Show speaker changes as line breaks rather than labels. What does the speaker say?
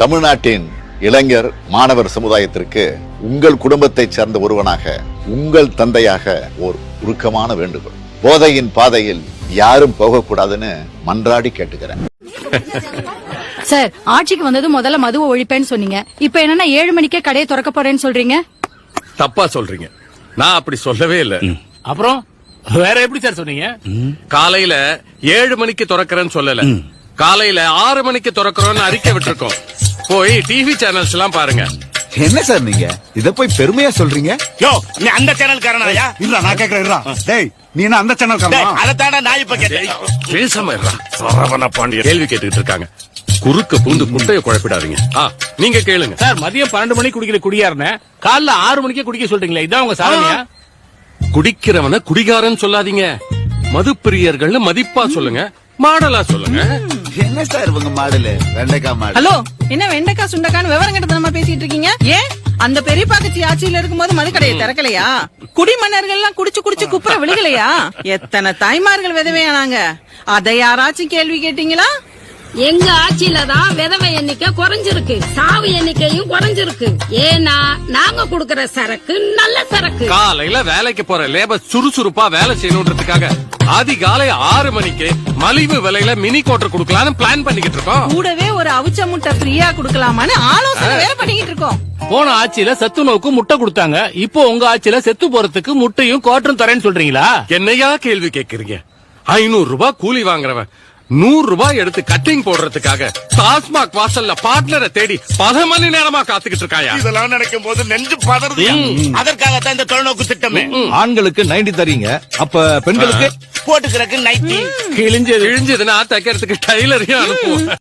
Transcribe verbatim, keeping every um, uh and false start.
தமிழ்நாட்டின் இளைஞர் மாணவர் சமுதாயத்திற்கு உங்கள் குடும்பத்தை சேர்ந்த ஒருவனாக உங்கள் தந்தையாக ஒரு உருக்கமான வேண்டுகோள். போதையின் பாதையில் யாரும் போகக்கூடாதுன்னு மன்றாடி கேட்டுக்கிறேன்.
சார், ஆட்சிக்கு வந்தது முதல்ல மதுவை ஒழிப்பேன்னு சொன்னீங்க. இப்ப என்னன்னா ஏழு மணிக்கே கடையை திறக்க போறேன்னு சொல்றீங்க.
தப்பா சொல்றீங்க. நான் அப்படி சொல்லவே இல்ல.
அப்புறம் வேற எப்படி சார் சொன்னீங்க?
காலையில ஏழு மணிக்கு திறக்கிறேன்னு சொல்லல. காலையில ஆறு மணிக்கு திறக்கிறோம்னு அறிக்கை விட்டுருக்கோம். போய் டிவி சேனல்ஸ் எல்லாம் பாருங்க.
என்ன சார் நீங்க இத போய் பெருமையா சொல்றீங்க?
யோ, நீ அந்த சேனல் காரனாயா?
இல்ல நான் கேக்குறேன். இல்ல டேய், நீ என்ன அந்த சேனல் காரனா?
அதத்தானே நான் இப்ப கேட்டேன்.
பேசாம இருடா. சரவண பாண்டியன் கேள்வி கேட்டுக்கிட்டு இருக்காங்க. குறுக்க பூந்து குட்டைய குழப்பிடாதீங்க. ஆ, நீங்க கேளுங்க.
சார், மதியம் பன்னெண்டு மணிக்கு குடிக்கிற குடியாருன்னு காலைல ஆறு மணிக்கே குடிக்க சொல்றீங்களா? இதான் உங்க சாதனையா?
குடிக்கிறவன குடிகாரன் சொல்லாதீங்க. மதுப்பிரியர்கள் மதிப்பா சொல்லுங்க, மாடலா சொல்லுங்க.
என்ன சார் இவங்க மாடலு? வெண்டைக்காய் மாடல்.
ஹலோ, என்ன வெண்டைக்காய் சுண்டக்கான்னு விவரம் கிட்ட பேசிட்டு இருக்கீங்க? ஏன் அந்த பெரிய பாக்கச்சி ஆட்சியில இருக்கும்போது மதுக்கடையை திறக்கலையா? குடிமன்னர்கள் எல்லாம் குடிச்சு குடிச்சு குப்புற விழுகலையா? எத்தனை தாய்மார்கள் விதவையானாங்க, அதை யாராச்சும் கேள்வி கேட்டீங்களா?
எங்க ஆட்சியில தான் விதவை எண்ணிக்கை குறைஞ்சிருக்கு, சாவு எண்ணிக்கையும் குறைஞ்சிருக்கு. ஏன்னா நாங்க குடுக்கற சரக்கு நல்ல சரக்கு.
காலையில வேலைக்கு போற லேபர் சுறுசுறுப்பா வேலை செய்யணுன்றதுக்காக அதிகாலை ஆறு மணிக்கு மலிவு விலையில மினி கோட்டர் குடுக்கலாம்னு பிளான் பண்ணிக்கிட்டு இருக்கோம்.
கூடவே ஒரு அவிச்ச முட்டை ஃப்ரீயா குடுக்கலாமான்னு ஆலோசனை வேற பண்ணிக்கிட்டு இருக்கோம்.
போன ஆட்சியில சத்து நோக்கு முட்டை கொடுத்தாங்க. இப்போ உங்க ஆட்சியில செத்து போறதுக்கு முட்டையும் கோட்டரும் தரேன்னு சொல்றீங்களா?
என்னையா கேள்வி கேக்குறீங்க? ஐநூறு ரூபாய் கூலி வாங்குறவன் நூறு ரூபாய் எடுத்து கட்டிங் போடுறதுக்காக டாஸ்மாக் வாசல்ல பார்ட்னரை தேடி பல மணி நேரமா காத்துக்கிட்டு இருக்காயா?
இதெல்லாம் நினைக்கும் போது நெஞ்சு பதறது. அதற்காகத்தான் இந்த தொலைநோக்கு திட்டமே.
ஆண்களுக்கு நைன்டி தரீங்க, அப்ப பெண்களுக்கு
போட்டுக்கிறதுக்கு நைட்டி
கிழிஞ்சது கிழிஞ்சதுன்னா தைக்கிறதுக்கு டைலரையும் அனுப்புவோம்.